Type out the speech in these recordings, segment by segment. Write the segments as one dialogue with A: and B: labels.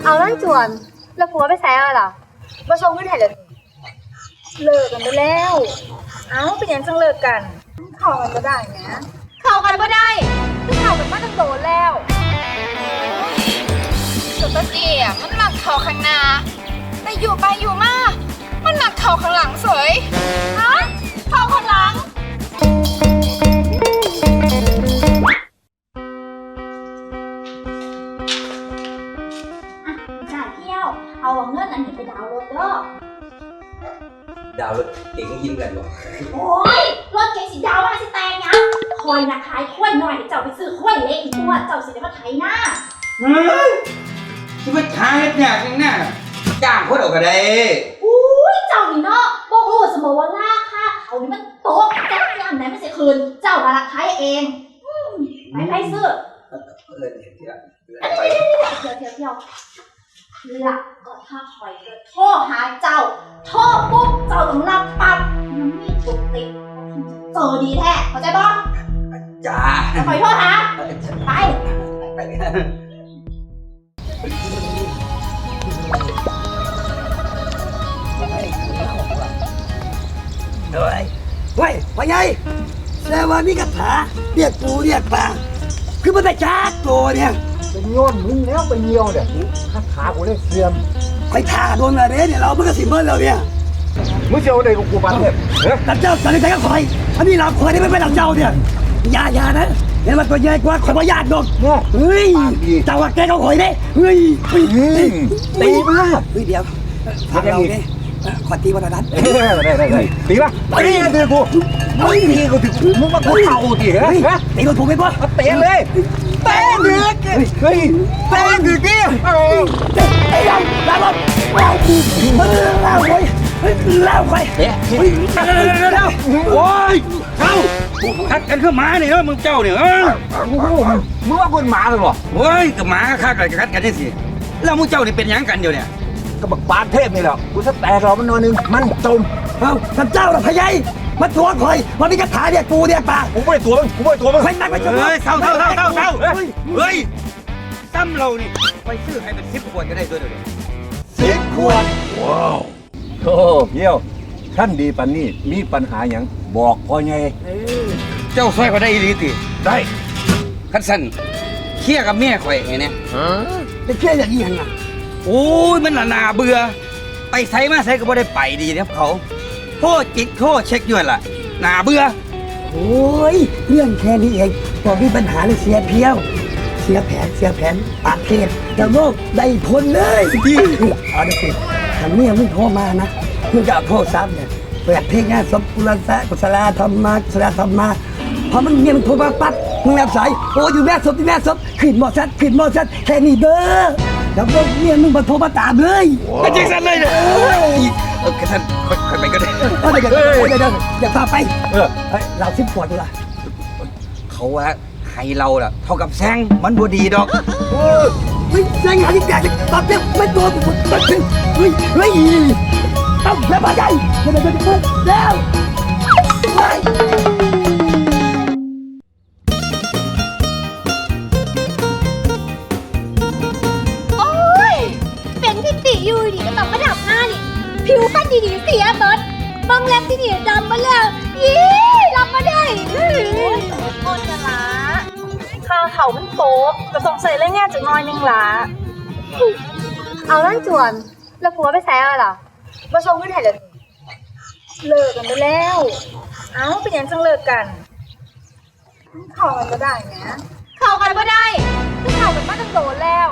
A: เอานั่นจวนแล้วผัวไปแซ่อะไรล่ะมาชงขึ้นไทยเลยเลิกกันไปแล้วเอ้าเป็นยังจังเลิกกันเข้ากันก็ได้นะเข้ากันก็ได้ที่เข้ากันมาตั้งโดนแล้ว
B: สุดตะเกียมันหมักเข่าข้างหน้าแต่อยู่ไปอยู่มามันหมักเข่าข้างหลังเสยฮะเข่าข้างหลัง
C: จ่ายเที่ยวเอาเงินอันนี้ไปดาวน์รถเด้อ
D: ดาวรถเก่งยิ้มกันบ่
C: โอ้ยรถเก๋งสีดาวมาสิแตงยังคอยนะขายข้วยหน่อยเจ้าไปซื้อข้วยเล็กอีกตัวเจ้าสิได้มาไถหน้า
D: ที่มาช้าเฮ็ดยากจังน่ะจ้างคนออกก็ได้
C: อุ้ยเจ้านี่เนาะบ่ฮู้สมมุติว่าราคาเขานี่มันตกจักยามไหนไม่ใช่คืนเจ้ามาละขายเองไปซื้อเที่ยวหลักก็ถ้าคอยโทรหาเจ้าโทรปุ๊บเจ้าต้องรับปั๊บมันมีจุดติดเจอดีแท้เข้าใจบ่
D: จ้า
C: คอยโทรหาไป
E: เฮ้ยพ่อใหญ่แสดงว่ามีคาถาเรียกปูเรียกปลาคือมันได้จ้าโตเนี่ย
F: เป็นโยนมึงแล้วไปเยี่ยวเนี่ยคาถากูเลยเสื่อม
E: ไปท่าโดนอะไรเนี่ยเราเมื่อสิเมื่อเราเนี่ย
F: มึงเจ้าได้กูกูปันเนี่ย
E: แต่เจ้าสันนิษฐานก็คอยอันนี้เราคอยได้ไม่เป็นเราเจ้าเนี่ยอย่านะเห็นมันตัวใหญ่กว่าคอยว่าญาติดอกเฮ้ยเจ้าว่าแกเขาคอยได้เฮ้ย
F: ตีมาก
E: เดี๋ยวทำเราเนี่ยขอตีวันนั้น
F: ได้ตีป่ะตีตีกูไม่ตีกูถึงมึงมากูเข่าตีเหรอ
E: ตีโดนผมไหมพ่อ
F: เตะเลยเตะดึกเฮ้ยเตะดึกดิ
E: ไอ้ยังลาบลาคูลาไว้ลาไว้
D: โอ้ยเข้าทักกันคือหมาเนี่ยมึงเจ้าเนี่ย
F: มึงว่าคนหมาเลยหรอ
D: โอ้ยกับหมาฆ่ากันกัดกันนี่สิแล้วมึงเจ้านี่เป็นยังกันเดียวเนี่ย
F: ก็บักปานเทพนี่แหละกูจะแตกเรามันนอนนึงมันจม
E: ท่านเจ้าหรอพญายมาตัวคอยมันมีคาถาเนี่ยปูเนี่ยปลา
F: กูไม่ได้ตัวมึงกูไม่ได้ตัวมึง
E: ใครตั้งไปจน
D: เฮ้ยเศร้าเฮ้ยซ้ำเรานี่ไปซื้อให้เป็น10 ขวดก็ได้ด้วยเดี๋ยว
F: 10 ขวดว้าวโอ้เยี่ยวท่านดีปันนี่มีปัญหาอย่างบอกพ่อไง
D: เจ้าซอยเขาได้อีหลีติ
F: ได้
D: คันสั้นเคลียร์กับแม่ข่อยไงเนี่ย
E: จะเคลียร์อย่างนี้ยังไง
D: โอ้ยมันน่าเบื่อไปไสมาไสก็บ่ได้ไปดีนะครับเขาโทษจิกโทษเช็คอยู่ล่ะน่าเบื่อ
E: โอ้ยเรื่องแค่นี้เองบอกมีปัญหาเลยเสียเพียวเสียแผนปากเทศแต่โลกได้ผลเลยที่เอาดิสิทางนี้มึงโทรมานะมึงจะเอาโทรศัพท์เนี่ยเปิดเพลงงานศพกุศลธรรมะพอมันเงียบมันโทรมาปั๊บมึงรับสายโอ้อยู่แม่ศพขึ้นมอชัดแค่นี้เด้อแล้วพวกเนี่ยมึงมาโทรมาตามเลย
D: ก็จริงสั้นเลยเนี่ยกระทันค่อยไปก็ได้
E: เดี๋ยวอย่าพาไปเรา10 ขวดดูล่ะ
D: เขาว่าให้เราล่ะเท่ากับแซงมันบ่ดีดอก
E: ไม่แซงหาที่แกตอบเต็มไม่ตัวผมตัดถึงเฮ้ยต้องแล้วมาใหญ่แล้ว
A: อยู่ดีก็ต้องมาดับหน้านี่ผิวพันดีๆเสียเบิดบางแรมที่นี่ดำมาแล้วยี่รับมาได้ต้นจะละข้าเขามันโตก็สงสัยเรื่องงานจะน้อยนึงละเอานั่นจวนแล้วผัวไปแซ่อะไรล่ะมาชงขึ้นไทยเลยเลิกกันไปแล้วเอ้าเป็นยังจังเลิกกันเข้ากันก็ได้นะเข้ากันก็ได้ที่เข้ากันมาตั้งโดนแล้ว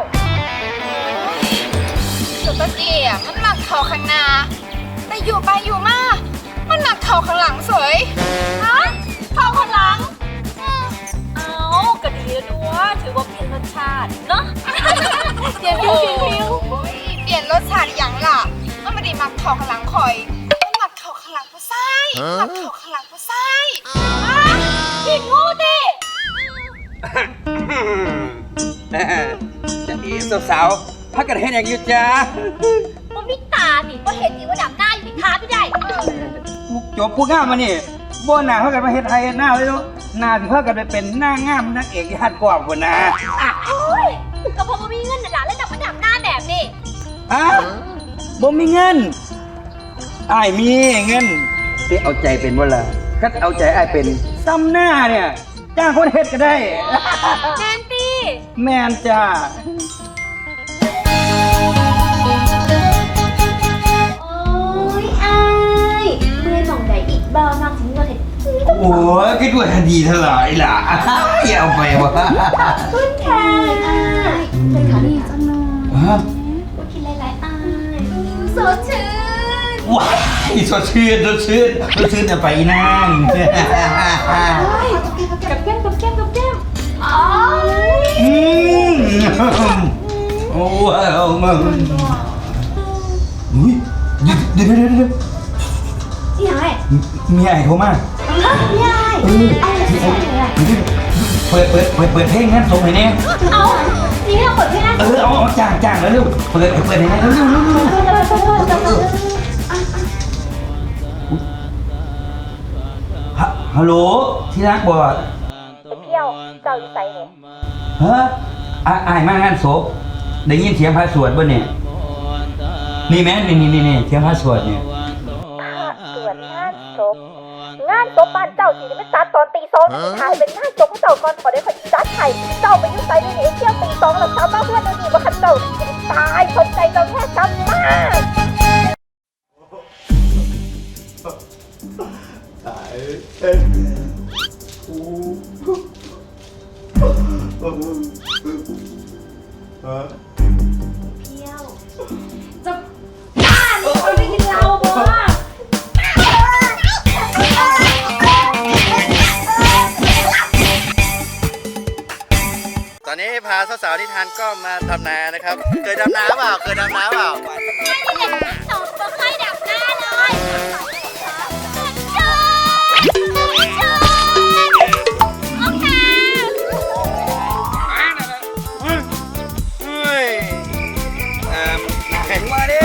B: สุดตะเกียมันหมักเข่าข้างหน้าแต่อยู่ไปอยู่มามันหมักเข่าข้างหลังเสยฮะเข่าข้างหลัง
A: เอาก็ดีแล้วด้วยถือว่าเปลี่ยนรสชาติเนาะเปลี่ยนฟิว
B: เปลี่ยนรสชาติอย่างล่ะมันไม่ได้หมักเข่าข้างหลังคอยมันหมักเข่าข้างหลังผู้ชายหมักเข่าข้างหลังผู้ชาย
A: ผิดงูดิ
D: จะดีสาวพักกันให้แดงอยู่จ้า
A: มันพิตาดิก็เห็นดีว่าดับหน้าอยู่ท้าไม่ได้
D: จบผู้ง่ามมานี่บ่หน้าพักกันมาเฮ็ดไทยหน้าเลยลูกหน้าที่พักกันไปเป็นหน้างามนักเอกญาติกว่าคนนะ
A: โอ้ยก็เพราะว่ามีเงินหนาแล้วดับมาดับหน้าแบบนี้
D: บ่มีเงินอ้ายมีเงินสิเอาใจเป็นบ่ล่ะคัดเอาใจอ้ายเป็นซ้ำหน้าเนี่ยจ้างคนเฮ็ดก็ได้
A: แมนตี้
D: แม่นจ้า
C: โอ้ยอายเมื่อหม่องใดอีกบ่นอกถึงเงินเห็ด
D: โอ้ยคิดว่าดีเท่าไหร่ล่ะ อย่าเอาไปวะ
C: คุณค่ะอายเป็นขาดีจังเลย
D: ฮะ
C: พูดคิดหลายๆอายสดชื่น
D: ว้ายสดชื่นจะไปนั่ง
A: กับแก้มกับแก้มกับแก้ม
C: อ๋อ
D: อืมโอ้ว้าวมึงอุ้ยเดี๋ยว
C: ที่ไหน
D: มีไอ้โทรมา
C: ยายไอ้ที่ไหนเลย
D: เปิดเพลงงั้นส่งให้แน่
C: เอานี่เราเปิดให้นะ
D: เอาจ้างแล้วเร็วเปิดให้แน่เร็วฮัลโหลที่รักบ่
A: เที่ยวเจ้าอยู่ไสเนี่ย
D: ฮะอ้ายมางานศพได้ยินเสียงพระสวดบ่เนี่ยนี่แม่นี่เสียงพระสวดเนี่ย
A: เกิดงานศพบ้านเจ้าสิไม่จัดตอนตีสองถ่ายเป็นงานศพของเจ้าก่อนขอได้ขอจัดไข่เจ้าไปยุ่งใส่ในนี้เที่ยวตีสองแล้วเช้าบ้านเพื่อนดูดีว่าขันเจ้าตายสนใจเจ้าแค่จำมาก
C: จะบ้านี่คนไม่กินเหล้าบ่
G: ตอนนี้พาสาวๆที่ทานก็มาดำนานะครับ เคยดำนาเปล่า เคยดำนาเปล่า
A: หนูไม่เคยดับหน้าเลยโอเค
G: เฮ้ย
D: มาดิ